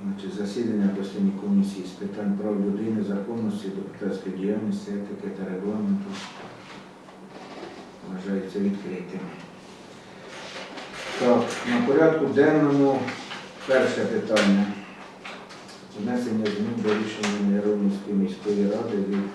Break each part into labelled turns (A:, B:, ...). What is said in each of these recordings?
A: Значить, засідання постійної комісії з питань прав людини, законності, депутатської діяльності, етики та регламенту вважається відкритим. Так, на порядку денному перше питання. Внесення змін до рішення Миронівської міської ради від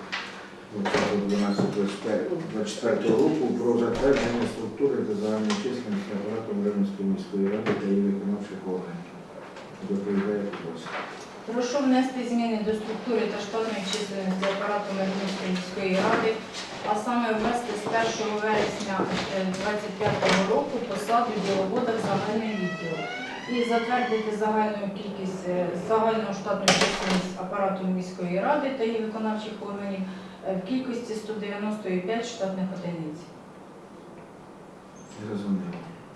A: 20.12.24 року про затвердження структури та загальної численності апарату Миронівської міської ради та її виконавчих органів. Доповідає Кубас.
B: Прошу внести зміни до структури та штатної численності апарату Миронівської міської ради, а саме ввести з 1 вересня 2025 року посаду діловода в загальний відділ і затвердити загальну штатну численність апарату міської ради та її виконавчих органів в кількості 195 штатних одиниць.
A: Зрозуміло.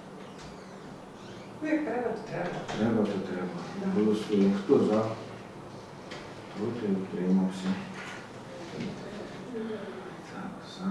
C: Ну, як треба, то треба.
A: Треба, то треба. Голосуємо. Хто за? Проти, утримався. Так, за.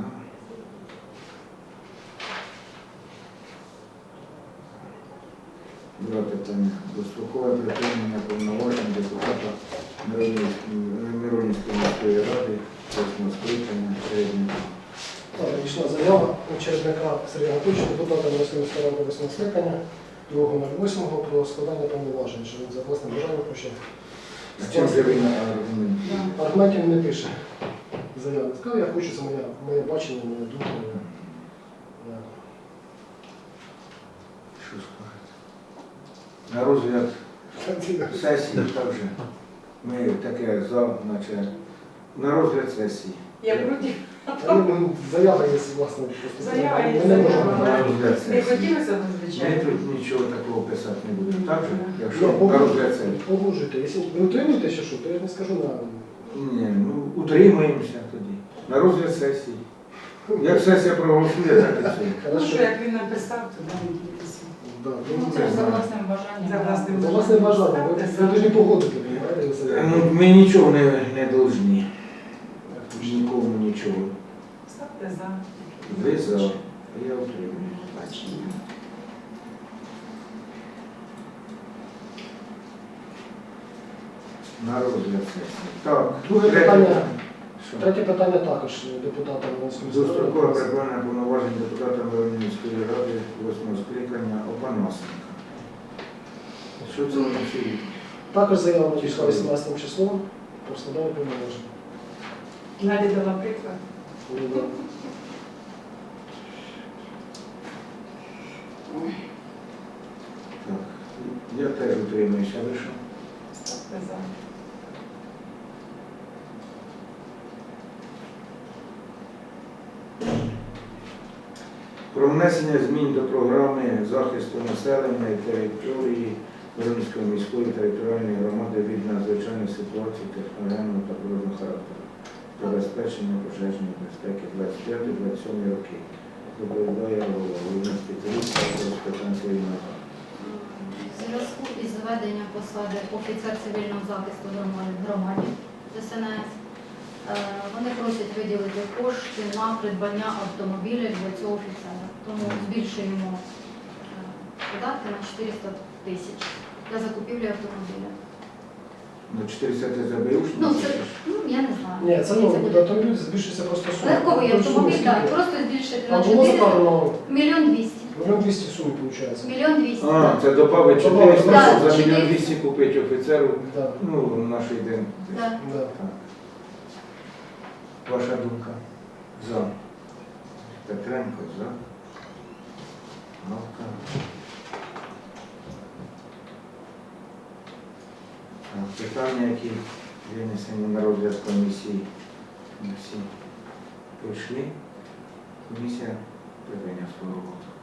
A: Друге питання. Дострокове припинення повноважень депутата Миронівської міської ради 8 скликання середнього.
D: Так, надійшла заява чередника Сергія Анатольовича, депутата Миронівської міської ради 8 скликання 2.08 про складання повноважень, що він за власним бажанням хоче.
A: А чим же ви на аргумент?
D: Аргументів не пише. Заява. Сказав, я хочу, це моє бачення, моя думка.
A: Що скажете? На розгляд сесії також. Ми таке за, наче на розгляд сесії.
C: Я проти.
D: Заява є, власне,
C: Заява є,
D: ми не можемо.
A: На розгляд
C: Не
A: сесії.
C: хотілося б,
A: Ми
C: звичайно.
A: тут нічого такого писати не будемо. Так же?
D: Ну,
A: Якщо на розгляд сесії.
D: Погоджуйте. Якщо ви утримуєтеся, що, то я не скажу на...
A: Ні, ну утримуємося тоді. На розгляд сесії. Як сесія проголосує, так і все.
C: Ну, що,
D: Хорошо.
C: як він написав, то нам ділися.
D: Да,
B: Ну, це ж за власним бажанням.
C: За власним
D: За власне бажання. Ви повинні погодити,
A: Ну, ми нічого не повинні. Нікому нічого.
C: Ставте за.
A: Ви за, а я утримую.
C: Бачення.
A: На розгляд сесії. Так,
D: Друге
A: третє
D: питання.
A: Що?
D: Третє питання також депутата Миронівської міської
A: Дострокове
D: ради.
A: припинення повноважень депутата Миронівської ради 8 скликання Опанасенка. Що це вони всі?
D: Також заява надійшла 18 числом про складання повноважень.
C: Надя дала приклад.
A: Так, я теж утримуюся, ви що?
C: Ставте за.
A: Про внесення змін до програми захисту населення і території Миронівської міської територіальної громади від надзвичайних ситуацій техногенного та природного характеру. Забезпечення пожежної безпеки 25-27 роки. Доповідає головний спеціаліст з питань цивільного захисту.
E: В зв'язку із зведенням посади офіцер цивільного захисту в громаді ДСНС вони просять виділити кошти на придбання автомобіля для цього офіцера. Тому збільшуємо податки на 400 тисяч для закупівлі автомобіля.
A: На 400 ти забив?
E: Ну, це, я не знаю.
D: Ні, це новий буде автомобіль, збільшується просто сума.
E: Легковий
D: Там
E: автомобіль,
D: сума
E: так,
D: скільки?
E: просто збільшити
D: Там
E: на
D: було
E: 400,
D: закладено
E: 1 200 000.
D: 1,200,000 суми, виходить.
E: 1 200 000.
A: А, це добавить 400,
E: Да,
A: щоб за
E: 400.
A: 1 200 купити офіцеру,
D: Да,
A: ну, наш день.
E: Да.
D: да.
A: Ваша думка? За. Петренко, за. Галка. Так, питання, які винесені на розгляд комісії, всі пройшли. Комісія припиняє свою роботу.